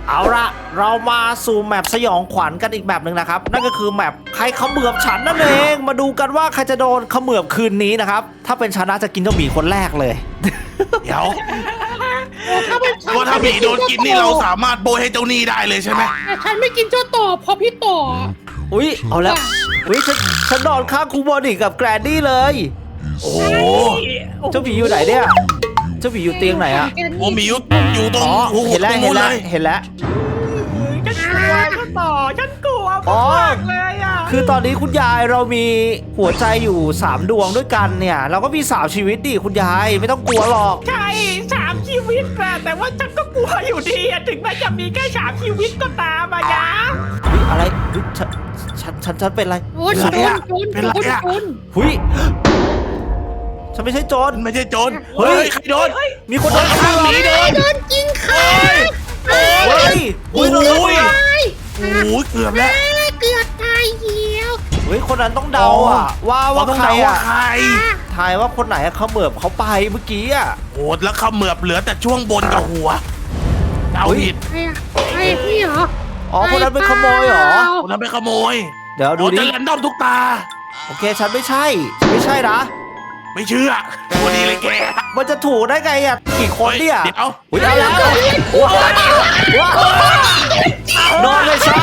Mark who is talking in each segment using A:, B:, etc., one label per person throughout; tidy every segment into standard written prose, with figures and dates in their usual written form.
A: เอาละเรามาสู่แมปสยองขวัญกันอีกแบบหนึ่งนะครับนั่นก็คือแมปใครเขมือบฉันนั่นเองมาดูกันว่าใครจะโดนเขมือบคืนนี้นะครับถ้าเป็นฉันน่าจะกินเจ้าหมีคนแรกเลย
B: เดี๋ยว
C: ว่าถ้า
B: หมีโดนกินนี่เราสามารถโบยให้เจ้าหนี้ได้เลยใช่ไหม
C: แต่ฉันไม่กินเจ้าต่อเพราะพี่ต่อ
A: อุ้ยเอาแล้วอุ้ยฉันนอนข้างครูบอดี้กับแกรนดี้เลย
B: โอ้โห
A: เจ้าหมีอยู่ไหนเนี่ยเจ้าหมีอยู่เตียงไหนอะ
B: โอ้หมีอยู่ตรง
A: อ๋อ
B: หู
A: เห็นแล้ว
B: ตรง
A: เห็
B: นู้
A: น
B: น
A: แล้
B: เล
A: วย เห็นแล้ว
D: ฉันกลัวฉันต่อฉันกลัว
A: อ๋อ
D: มากเลยอ่ะ
A: คือตอนนี้คุณยายเรามีหัวใจอยู่3ดวงด้วยกันเนี่ยเราก็มี3ชีวิตดิคุณยายไม่ต้องกลัวหรอก
D: ใช่3 ชีวิตแหละแต่ว่าฉันก็กลัวอยู่ดีอะถึงแม้จะมีแค่3 ชีวิตก็ตามอะนะ
A: อุ๊ยอะไรอุ๊ยฉันเป็นอะไร
C: โจรโจรโจรโจรโจร
A: หุยฉันไม่ใช่โจร
B: ไม่ใช่โจร
A: เฮ้
B: เฮ้
A: ย
B: ยใครโดน
A: มีคนโดนฆ่า
B: หมีโดน
C: โดนกินขา
A: เฮ้ย
B: โอ้
A: โดน
B: โห
A: ฆ่า
B: โอ้โหเกือบแล้ว
C: เกือบตายเหี้ยว
A: เฮ้ยคนนั้นต้องเดาอ่ะว่า
B: เราต้อง
A: ใคร
B: เดาว่า
A: อ่ะ
B: ใคร
A: ทายว่าคนไหนเขาเหมือบเขาไปเมื่อกี้อ่ะ
B: โอ้แล้วเขมือบเหลือแต่ช่วงบนกับหัวเดา
A: เฮ้ย
B: ผิด
C: ไอ้พี่เหรอ
A: อ๋อคนนั้นเป็นขโมยเหรอ
B: คนนั้นไปขโมย
A: เดี๋ยวดู
B: โอ้
A: ดิ
B: จะแรนดอมทุกตา
A: โอเคฉันไม่ใช่นะ
B: ไม่เชื่อวันนี้เลยแก
A: มันจะถูกได้ไงอ่ะกี่คนเนี่ย
B: เดี๋ยว
A: อุ้ยเอาแล้วว้าวโดนเลยซะ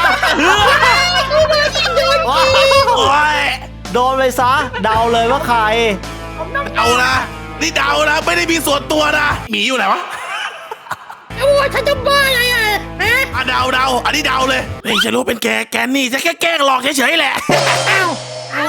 B: โอ้ย
A: โดนเลยซะเดาเลยว่าใคร
B: เดานะนี่เดานะไม่ได้มีส่วนตัวนะหมีอยู่ไหนวะ
C: โอ้ฉันจะบ้าอะไรอ่ะฮะ
B: อ่ะเดาอันนี้เดาเลยเฮ้ยฉันรู้เป็นแกนี่จะแค่แกล้งหลอกเฉยๆแหละ
C: เอา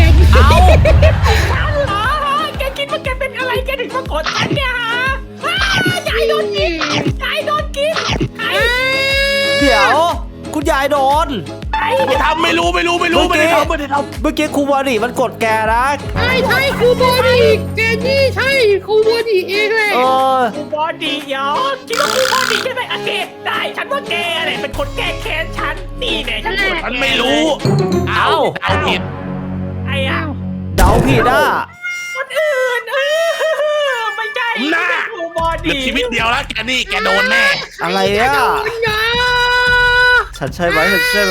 D: เหรอแกคิดว่าแกเป็นอะไรแกถึงมากดฉันเนี่ยฮะยายโดนกินยายโดนกินใคร
A: เดี๋ยวคุณยายโดน
B: ไม่ทำไม่รู้ไม่ได้ทำ
A: เมื่อกี้ครูบอดี้มันกดแกนะ
C: ใช่ครูบอดี้แกนี่ใช่ครูบอดี้เองเลย
A: เออ
D: กูบอดี้เหรอคิดว่ากูบอดี้ใช่ไหมโอเคได้ฉันว่าแกแหละเป็นคนแก้แค้นฉันนี่แน่ฉัน
B: ฉันไม่รู้
A: เอ้า
B: เอาผิด
D: ไอ้อะ
A: เดาผิดอ่ะ
D: คนอื่นไม่ใช่
B: หน้า
D: กูบอ
B: เหลือ
D: ดี้
B: ชีวิตเดียวแล้วแกนี่แกโดนแน่
A: อะไรอ่ะ
C: ยา
A: ฉันใช่ไหม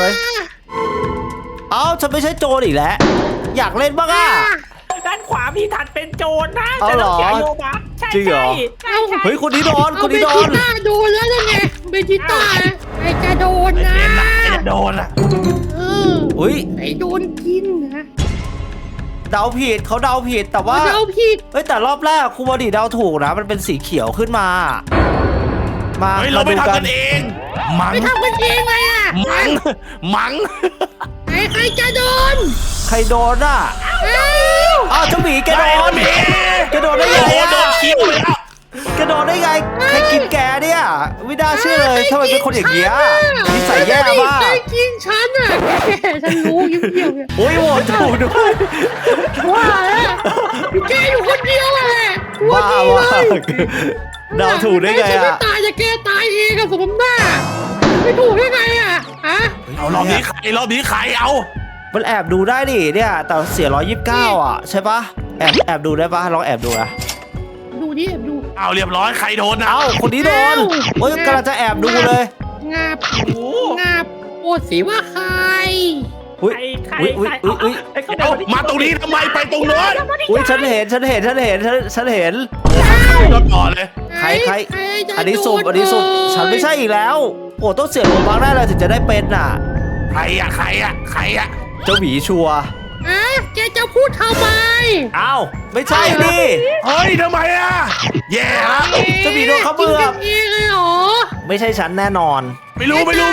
A: เอ้าฉันไม่ใช่โจรอีกแล้วอยากเล่นบ้างอ่ะ
D: ด้านขวามีถัดเป็นโจรนะ
A: เอาเหรอ
D: จะต้องเสียโลบัคใช่
A: จริงเหรอ
D: ใช่
A: เฮ้ยคนนี้โดน
C: เอา
A: คน
C: เบ
A: นี้โด
C: จิ
A: น
C: ต้าโดนแล้วนั่นไงเบจิต้าไอ้จะโดนนะ
B: จะโดนอ่ะ
C: เออ
A: อุ้ย
C: ไอ้โดนกินนะ
A: เดาผิดเขาเดาผิดแต่ว่า
C: เอาผิด
A: เฮ้ยแต่รอบแรกครูบอดี้เดาถูกนะมันเป็นสีเขียวขึ้นมา มา
B: เฮ้ยเรา
A: มา
B: ไม่
A: ดู
B: ทำ
A: กั
B: กัน นเองมัง
C: ไม่ทำกันเองเลยอ่ะ
B: มัง
C: ใครจะโดน
A: ใครโดนอ่ะ
C: เอ้า
A: อ้าวเจ้าหมีแกโดน
B: หมี
A: แกโดนได้ไง
B: โอ้โห
A: อ่ะ
B: โดนคิ้วเลยแล้ว
A: แกโดนได้ไงใครกินแกเนี่ยไม่น่าเชื่อเลยทำไมเป็นคนอย่างเงี้ยนิสัยแย่มาก
C: ใครกินฉันอ่ะฉันรู้ยิ้มเดียวเนี่ย
A: โอ้ยโหวตถูกด้วย
C: ว่าแล้วแกอยู่คนเดียวแหละตัว
A: บ้า
C: ดี
A: ว่า
C: เลย
A: เดาถูกได้ไง
C: ฉันไม่
A: อ่ะ
C: ตายจะแกตายเองกับสมน้าไม่ถูกได้ไงอ่ะฮะ
B: เอารอบนี้ใครเอา
A: มันแอบดูได้ดิเนี่ยแต่เสีย129อ่ะใช่ปะแอบดูได้ปะลองแอบดูนะ
C: ดูดิดู
B: เอาเรียบร้อยใครโดนนะ
A: เอ้าคนนี้โดนโอ้ยกำลังจะแอบดูเลย
C: งับ
D: โอ้โห
C: งับโอดสิว่าใคร
A: อุ้ย
D: ใคร
A: อุ้ยอุ้ยอุ้ย
B: เอามาตรงนี้ทำไมไปตรงโน้น
A: อุ้ยฉันเห็น
B: โดนก่อนเลย
A: ใคร
C: จะ
A: อันนี้สุ่ม
C: โด
A: อันนี้สุ่มฉันไม่ใช่อีกแล้วโอ้ต้องเสียโลบัคได้เลยถึงจะได้เป็นน่ะ
B: ใครอะ
A: เจ้าหมีชัวร์
C: อ่ะแกจะพูดทำไม
A: อ้าวไม่ใช่ดิ
B: เฮ้ยทำไมอะแย่ละ
A: จะมีโดนเขาเบือก
C: กินกันเองเลยเหรอ
A: ไม่ใช่ฉันแน่นอน
B: ไม่รู้
D: ไม่ใช่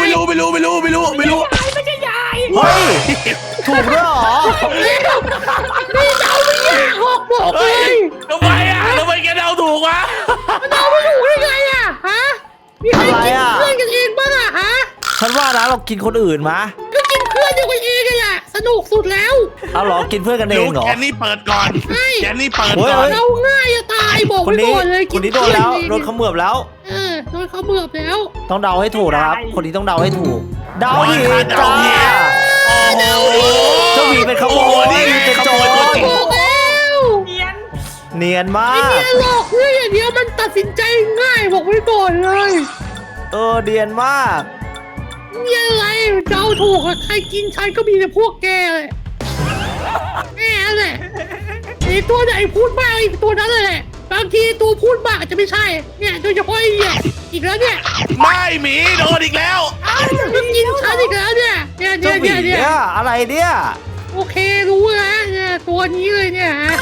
D: ยาย
A: เฮ้ยถูกด้วยเหรอ
C: นี่เดาไม่ยากหกบอกเล
B: เฮ้ย
C: ย
B: ทำไมแกเดาถูกวะ
C: เดาไม่ถูกได้ไงอ่ะฮะมีใครกินเพื่อนกันเองบ้างอ่ะฮะ
A: ฉันว่านะเรากินคนอื่นมะ
C: ก็กินเพื่อนเดียวกันเองเลยแหละสนุกสุดแล้ว
A: เอาเหรอกินเพื่อนกันเองเหรอ
B: แกนี่เปิดก่อน
C: ใช่
B: แกนี่เปิด
A: เฮ้ย
B: ก่อน
C: เราง่ายจะตายบอก
A: คน
C: ไว้
A: นี้
C: ก่อนเลย
A: คนนี้โดนแล้วโดนเขมือบแล้ว
C: โดนเขาเบือบแล้ว
A: ต้องเดาให้ถูกนะครับ คนนี้ต้องเดาให้ถูก เดาผิด
B: เดา
A: จ้า
B: ผิดโอ้โห
A: เจ้าหมีเป็นขโม
B: โอ้โห
A: ย
B: นี่ไง
A: เป็นโจ
B: ขโมยตัว
A: ร
B: จริง
C: บอกแล้ว
D: เนียน
A: เนียนมา
C: ไม่
A: ก
C: มีหลอกเรื่องอย่างเดียวมันตัดสินใจง่ายบอกไว้ก่อนเลย
A: เดียนมาก
C: นี่อะไรเดาถูกอะใครกินฉันก็มีแต่พวกแกเลยแกแหละไอ้ตัวไหนพูดบ้างไอ้ตัวนั้นแหละบางทีตัวพูดบ้างอาจจะไม่ใช่เนี่ยโดยเฉพาะไอ้เนี่ยอีกแล้วเนี่ย
B: ไม่หมีโดนอีกแล้ว
C: มันกินฉันอีกแล้วเนี่ยเนี่ย
A: เจ้าหมี
C: เนี่ย
A: เนี่ยอะไรเนี่ย
C: โอเครู้แล้วเนี่ยตัวนี้เลยเนี่ยฮะ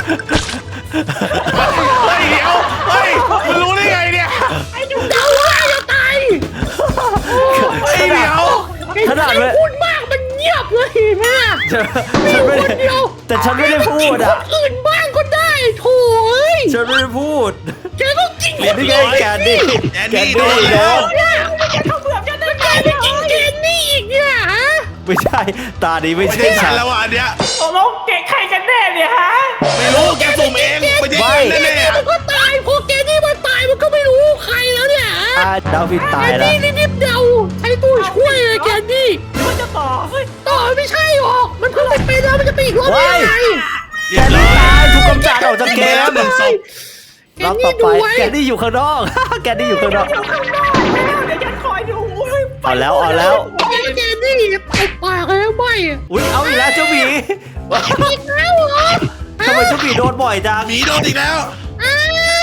B: เฮ้ยเดี๋ยวเฮ้ยมันรู้ได้ไงเนี่ย
C: ไอ้ดูเดาว่าจะตาย
B: เฮ้ยเดี๋ยว
A: ขนาด
C: ไอ้พูดมากมันเงียบเลยเห็นไหมล่ะ
A: ฉันไม่ได้
C: คนเดียว
A: แต่ฉันไม่ได้พูด
C: ค
A: อ่ะ
C: นอื่นบ้างก็ได้โถ่เอ้ย
A: ฉันไม่ได้พูด
C: แกต้องกินคน
A: นี่
C: เดี
A: ไง
C: ยว
A: แกนดี้
B: แอนนี่โดนแล้ว
C: เนี่ย
D: เขาเบื่อจะได้
C: แกไปกินเกนนี่อีกเนี่ยฮะ
A: ไม่ใช่ตาดีไม่
B: ไม่
A: ใช่
B: ใช่ฉั
A: ฉั
B: น
A: น
B: แล้วอ่ะอันเนี้ย
D: ตกลงเก่งใครกันแน่เนี่ยฮะ
B: ไม่รู้แกสุ่มเองไม่ใช่ฉันแน่ๆ
C: มันก็ตายพอเกนนี่มันตายมันก็ไม่รู้ใครแล้วเนี่ยฮะ
A: ดาวพินตาย
C: แกน
A: แล้ว
C: นี่รีบๆเดาใช้ตัวช่วยเลยแกนนี่
D: มันจะต่อเฮ้ย
C: ต่อไม่ใช่หรอกมันเพิ่งไปเป็นแล้วมันจะไปอีกรอบได้ยังไง
A: แกนดี้ตายถูกกำจัดออกจากเกม
B: หนึ่งศพ
C: แก
A: รอบ
C: น
A: ต่
C: นี่
A: อ
C: ดู
A: ไป
C: ไว้
A: แกนดี้อยู่ข้างนอก แกนดี้อยู่ข้างนอก
D: เดี๋ยวข้างนอกแล้วเดี๋ยวฉันคอยดูอุ้ย
A: เอาแล้ว
C: แกนนี่ตบปากเลยไม่อะ
A: อุ้ยเอาอีกแล้วเจ้าหมี
C: อีกแล้วเหรอ
A: ทำไมเจ้าหมีโดนบ่อยจัง
B: หมีโดนอีกแล้ว
C: อ้าว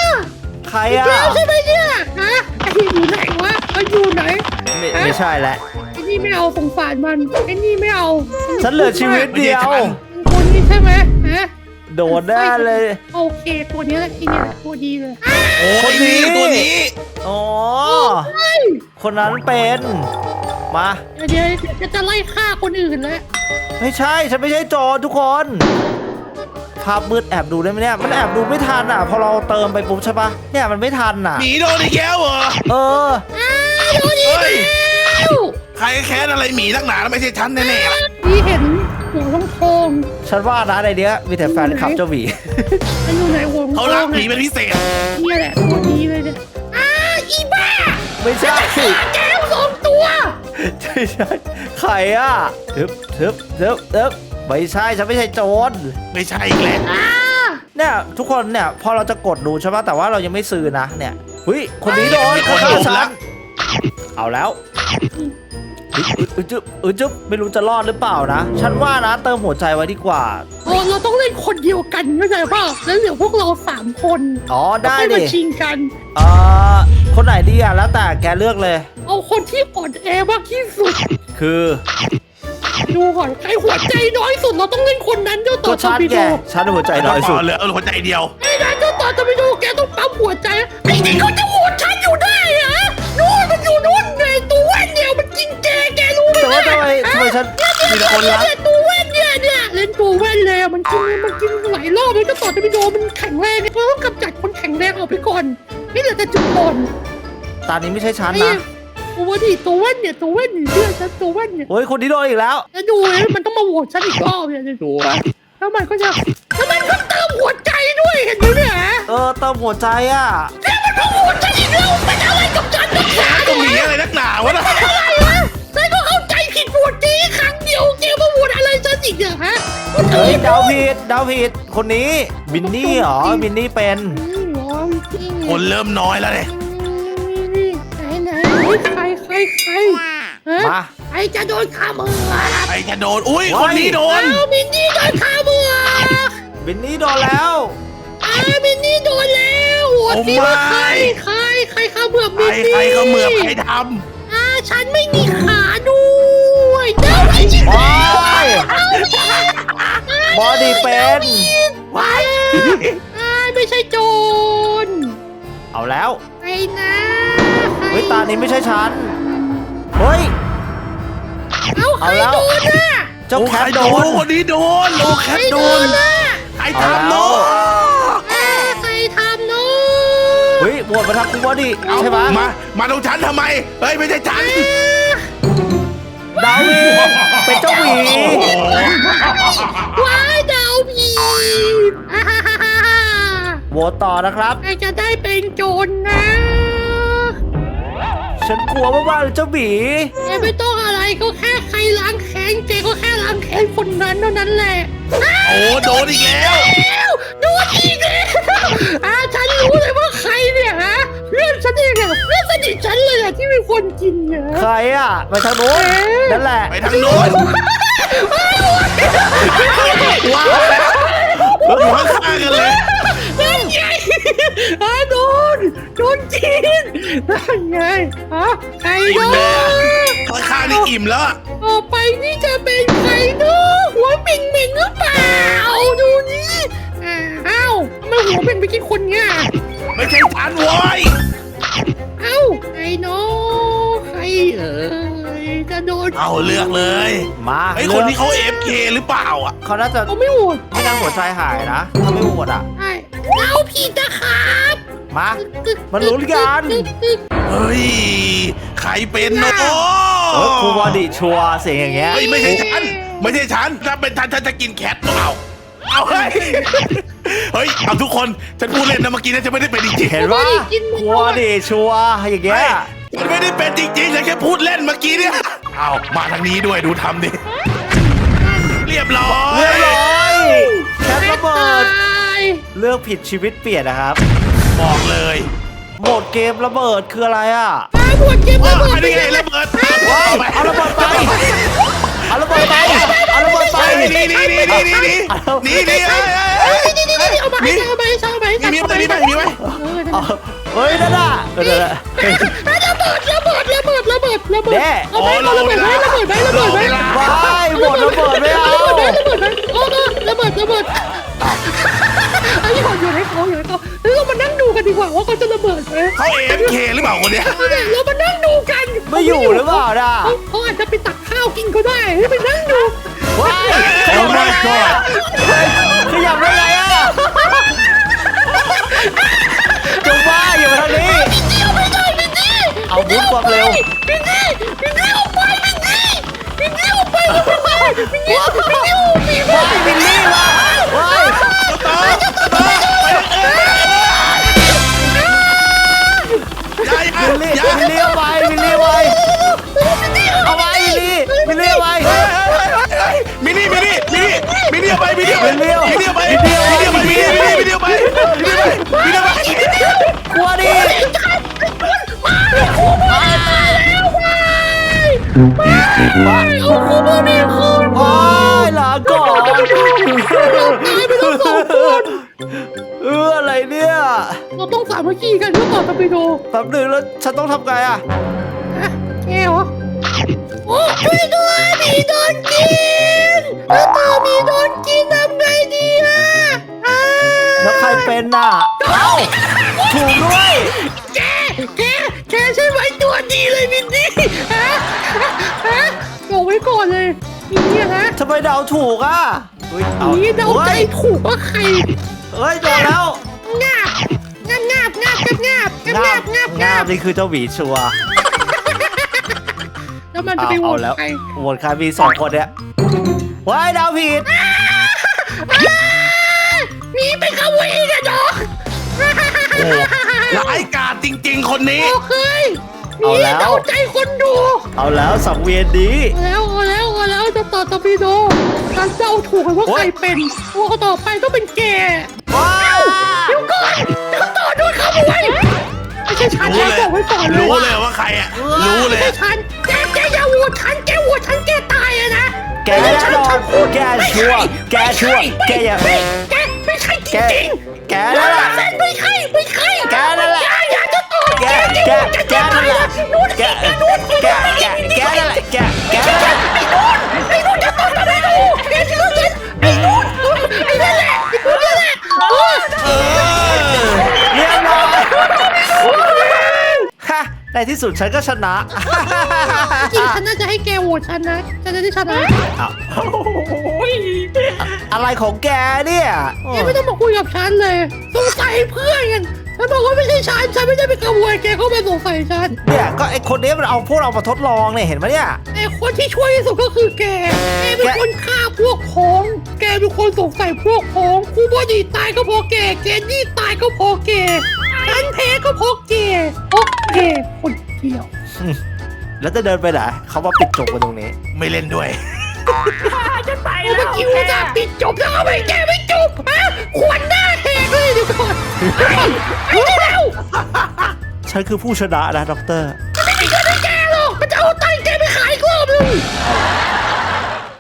A: ใครอ่ะ
C: เจ้าใช่ไหมเนี่ยฮะไอ้อยู่ไหนวะมันอยู่ไหน
A: ไม่ใช่แล้ว
C: ไอ้นี่ไม่เอาสงสารมันไอ้นี่ไม่เอา
A: ฉันเหลือชีวิตเดียว
C: คนนี้ใช่ไหมฮะ
A: โดนแน่เลย
C: โอเคตัวนี้แหละไอ้เนี่ยตัวดีเลย
B: โอ้
A: คนนี้
B: ตัวนี้
A: อ๋อ
C: เฮ้ย
A: คนนั้นเป็น มา
C: เดี๋ยวจะไล่ฆ่าคนอื่นแล้ว
A: ไม่ใช่ ฉันไม่ใช่โจรทุกคน ภาพมืดแอบดูได้ไหมเนี่ย มันแอบดูไม่ทันอ่ะ พอเราเติมไปปุ๊บใช่ปะเนี่ยมันไม่ทันอ่ะ
B: หมีโดนอีกแล้วเหรอ
A: เออ
C: โดนอีกแล้ว
B: ใครแค้นอะไรหมีนักหนาแล้วไม่ใช่ฉันแน่ๆล่ะ
C: นี่เห็นหัวทองทอง
A: ฉันว่านะในเนี้ยมีแต่แฟนคลับเจ้าหมี
C: มันอยู่ไหนหัวทอง
B: เขา
C: ท
B: รั
C: อก ง
B: หมีเป็นพิเศษ
C: เนี่ยแหละตัวดีเลยเนี่ยอีบ้า
A: ไม่ใช่
C: แก้วสองตัว
A: ไม่ใช่ใครอ่ะทึบไม่ใช่ ฉันไม่ใช่โจร
B: ไม่ใช่อีกแล้ว
A: เนี่ยทุกคนเนี่ยพอเราจะกดดูใช่ปะแต่ว่าเรายังไม่ซื้อนะเนี่ยเฮ้ยคนนี้โดนเขาฆ่าฉันเอาแล้วจึ๊บไม่รู้จะรอดหรือเปล่านะ ฉันว่านะเติมหัวใจไว้ดีกว่า
C: เราต้องเล่นคนเดียวกันเข้าใจป่ะแล้วเหลือพวกเรา3 คน
A: อ๋อได้
C: แล้วค่อย
A: ดิ
C: มาชิงกัน
A: คนไหนดีอ่ะแล้วแต่แกเลือกเลย
C: เอาคนที่อ่อนแอมากที่สุด
A: คือ
C: ดูก่อนใครหัวใจน้อยสุดเราต้องเล่นคนนั้นเจ้าต่
A: ก็
C: อ
A: ฉัน
C: ไป
A: แก
C: ดู
A: ฉันหัวใจน้อยสุด
B: เหลือหัวใจเดียว
C: ไอ้นั่นเจ้าต่อจะไปดูแกต้องปั๊มหัวใจไอ้นี่เขาจะโหวตฉันอยู่ได้เหรอนู่นมันอยู่นู่นไงตัวแว่นเนี่ยมันกินแกรู้ไหม
A: แต่ว่าทำไมฉัน
B: มีแต่คนรัก
C: ตัวแว่นเนี่ยเล่นตัวแว่นเลยมันกินหลายรอบแล้วเจ้าต่อจะไปดูมันแข็งแรงเราต้องกำจัดคนแข็งแรงออกไปก่อนไม่เหลือแต่จุดอ่อน
A: ตอนนี้ไม่ใช่ฉัน
C: ไอ้
A: นะ
C: ตัวดิตัวแว่นเนี่ยเชื่อฉันตัวแว่นเนี่ย
A: โอ้ยคนนี้โดนอีกแล้ว
C: แล้วดูเลยมันต้องมาโหวตฉันอีกรอบเนี่ยจะดูแล้วมันก็เติมหัวใจด้วยเห็นไหมเนี่ย
A: เติมหัวใจอ่ะ
C: แล้วมันมาโหวตฉันอีกแล้วเป็นอะไรกับฉันนักหนา
B: ก็หมีอะไรนักหนาวะนะ
C: อะไรวะฉันก็เข้าใจผิดโหวตจีครั้งเดียวแกมาโหวตอะไรฉันอีกเนี่ยฮะ
A: เฮ้ยดาวผิดคนนี้บินนี่เหรอบินนี่เป็น
B: คนเริ่มน้อยแล้วเนี่ย
C: ไหนใครฮะ
A: มา
C: ใครจะโดนฆ่ามือ
B: ใครจะโดนอุ้ยคนนี้โดน
C: เอามินนี่โดนฆ่ามือ
A: บินนี่โดนแล้ว
C: มินนี่โดนแล้วโหวตสิว่าใครฆ่าเมือบมินนี่
B: ใครเขาเหมือบใครท
C: ฉันไม่มีขาด้วยเดี๋ยวไอ้ชิบ
A: บอยบอดี้เป็น
C: ไว้ไม่ใช่โจร
A: เอาแล้ว
C: ไอ้นะ
A: เฮ้ยตานี้ไม่ใช่ฉันเฮ้ย
C: เอาใครโดนน่ะ
B: ำ
A: เจ้าแคทโดน
B: คนนี้โดนโอ้แคทโดน
C: น่ะ
B: ใครทำโน้ต
C: ใครทำเนาะ
A: เฮ้ยโหวตมาทางคุณบอดี้
B: เอา
A: ใช่ไหม
B: มาตรงฉันทำไมเฮ้ยไม่ใช่ฉัน
A: ดาวีเป็นเจ้าหมี
C: ว้ายดาวผีฮ่า
A: โหวตต่อนะครับ
C: ใครจะได้เป็นโจรนะ
A: ฉันกลัวมากๆเลยเจ้าหมี
C: แกไม่ต้องอะไรก็แค่ใครล้างแค้นแกก็แค่ล้างแค้นคนนั้นเท่านั้นแหละ
B: โอ้โดนอีกแล้ว
C: โดนอีกแล้วฉันรู้เลยว่าใครเนี่ยฮะเพื่อนฉันเองอะเพื่อนสนิทฉันเลยอะที่เป็นคนกินเนี่ย
A: ใครอ่ะไปทางโน้นนั่นแหละ
B: ไปทางโน้นว้าวอยู่ข้างๆกันเลย
C: นั่นไงโดนกินนั่นไงใคร
B: อิ่
C: โด
B: มเลย
C: น
B: ข้างๆนี่อิ่มแล้ว
C: ต่อไปนี่จะเป็นใครเนาะหัวเป็นหรือเปล่าดูนี่อ้าวทำไมหัวเป็นไปกินคนเนี่ย
B: ไม่ใช่ฉันโว้ย
C: เอ้าใครเนาะใครจะโดน
B: เอาเลือกเลย
A: มา
B: ไอ้คนที่เขา AFK หรือเปล่าอ่ะ
A: เขาน่าจะ
C: เขาไม่โหวต
A: ไม่นั่งหัวใจหายนะถ้าไม่โหวตอ่ะ
C: ใช่เราผิดนะครับ
A: มาลุ้นกัน
B: เฮ้ยใครเป็นเนาะ
A: ครูบอดี้ชัวร์เสียงอย่างเงี้ย
B: เฮ้ยไม่ใช่ฉันไม่ใช่ฉันถ้าเป็นฉันจะกินแคทเอาเฮ้ยเอาทุกคนฉันพูดเล่นนะเมื่อกี้นะฉันไม่ได้เป็นจริง
A: เห็นว่าครูบอดี้ชัวร์อย่างเงี้ย
B: ฉันไม่ได้เป็นจริงๆฉันแค่พูดเล่นเมื่อกี้เนี่ยเอามาทางนี้ด้วยดูทำดิเรียบร้อย
A: เรียบร้อยแคประเบิด
C: ตาย
A: เลือกผิดชีวิตเปลี่ยนนะครับ
B: บอกเลย
A: โหมดเกมระเบิดคืออะไรอ่ะ
C: หมดเกม
B: ว่า
C: ระเบิด
B: อันนี้ไงระเบิด
A: ว้ายเอาระเบิดไปเอาระเบิดไปเอาระเบิดไป
B: นี่นี่นี่นี่นี่นี่นี่
C: เอามาให้เอามาให้เอามาให้
B: มีไหม
A: เฮ้ยนั่นน่ะเดี๋ยว
C: ระเบิด
A: แน่
C: เอาไประเบิดไว้ระเบิดไว้ระเบิดไว้
A: ว้ายหมดระเบิดไม่เอา
C: ระเบิดไว้ระเบิดไอ้หอดอยู่ให้เขาแล้วเรามานั่งดูกันดีกว่าว่าเขาจะระเบิดไหม
B: เขา AFK หรือเปล่าคนเนี้ย
C: เรามานั่งดูกัน
A: ไม่อยู่หรือเปล่าน่ะ
C: เขาอาจจะไปตักข้าวกินก็ได้ไปนั่งดู
A: ว้ายขยับได้ไงอ่ะขยับได้ไงอ่ะจงว่าอย่ามาทางนี้เอาบุ้มความเร็ว
C: พี่นี่ออกไปพี่นี่ออกไปพี่นี่
A: ว้ายบิลลี่ว่ะว้าย บิลลี่เอาไปบิลลี่เอาไปเอาไปบิลลี่เอาไป
B: มินี่เอาไปมินี่เอาไป
A: กลัวดิ
C: เอาคูบอนี่คืน
A: ว้ายลาก่อน
C: ตายไปทั้งสองคน
A: อะไรเนี่ย
C: เราต้องสามัคคีกันเพื่อต่อตะปิโด
A: แป๊บนึงแล้วฉันต้องทำไงอ่ะ
C: แกเหรอโอ้ช่วยด้วยมีโดนกินแล้วต่อมีโดนกินทำไงดีอ่ะ
A: แล้วใครเป็นน่ะเอ้าถูกด้วย
C: แกใช่ไหมตัวดีเลยมินนี่บอกไว้ก่อนเลยนี่นะ
A: ทำไมเดาถูกอ่ะเอา
C: นี่เดาใจถูกว่าใคร
A: เฮ้ยโดนแล้ว
C: งาบ
A: นี่คือเจ้าหวีชัวร์
C: แล้วมันจะไปโหว
A: เอา
C: ต
A: แล้ว
C: ใคร
A: โหวตใครมี2 คนเนี่ยว้ายเดาผิด
C: นี่เป็นขโมยนะดอก
B: ร้ายกาจจริงๆคนนี้
C: โอเคนี่เดาใจคนดู
A: เอาแล้วสังเวียนดี
C: เอาแล้วจะต่อตะพีโดฉันเดาถูกว่าใครเป็นว่าต่อไปต้องเป็นแก
A: ว้าว
C: เดี๋ยวก่อนจะต่อโดนขโมยไม่ใช่ฉัน
B: รู้
C: นะ
B: เลย
C: บอกไว้ก่อนเลย
B: รู้เลยว่าใครอ่ะรู้เลย
C: ไม่ใช่ฉันแกอย่าโหวตฉันแกโหวตฉันแกตายอะนะ
A: แกแน่นอนแกชัวร์แกชัวร์แกอย่า
C: แกไม่ใช่จ
A: แก
C: ริง
A: แก
C: ๆ
A: นั่นแหละ
C: ไม่ใช่
A: แกนั่นแหละ
C: อย่าจะต่อ
A: แกนั่นแหละแกนั่นแหละแกนั่นแหละ
C: ไอ้นู่นจะต่อทำไมดูไอ้นู่นไอ้นั่นแหละ
A: เรียบร้อยฮะในที่สุดฉันก็ชนะ
C: จริงฉันน่าจะให้แกโหวตฉันนะฉันจะได้ชนะ
A: อะไรของแกเนี่ย
C: แกไม่ต้องมาคุยกับฉันเลยสงสัยเพื่อนกันฉันบอกว่าไม่ใช่ฉันไม่ได้เป็นขโมยแกเข้ามาสงสัยฉัน
A: เนี่ยก็ไอคนนี้มันเอาพวกเรามาทดลองเนี่ยเห็นไหมเนี่ย
C: ไอ้คนที่ช่วยที่สุดก็คือแกเป็นคนฆ่าพวกพ้องแกเป็นคนสงสัยพวกพ้องครูบอดีตายก็เพราะแกนี่ตายก็เพราะแกฉันแพ้ก็เพราะแกโอเคคนเดียว
A: แล้วจะเดินไปไหนเขามาปิดจบกันตรงนี้
B: ไม่เล่นด้วย
D: จะไป
C: เมื่
D: แล้
C: อ
D: ว
C: กี้ว่าจะปิดจบแล้วเอาไปแกไม่จบขวัญหน้าแหกเลยเดี๋ยวก่อนไอ้เร็ว
A: ฉันคือผู้ชนะนะด็อกเตอร์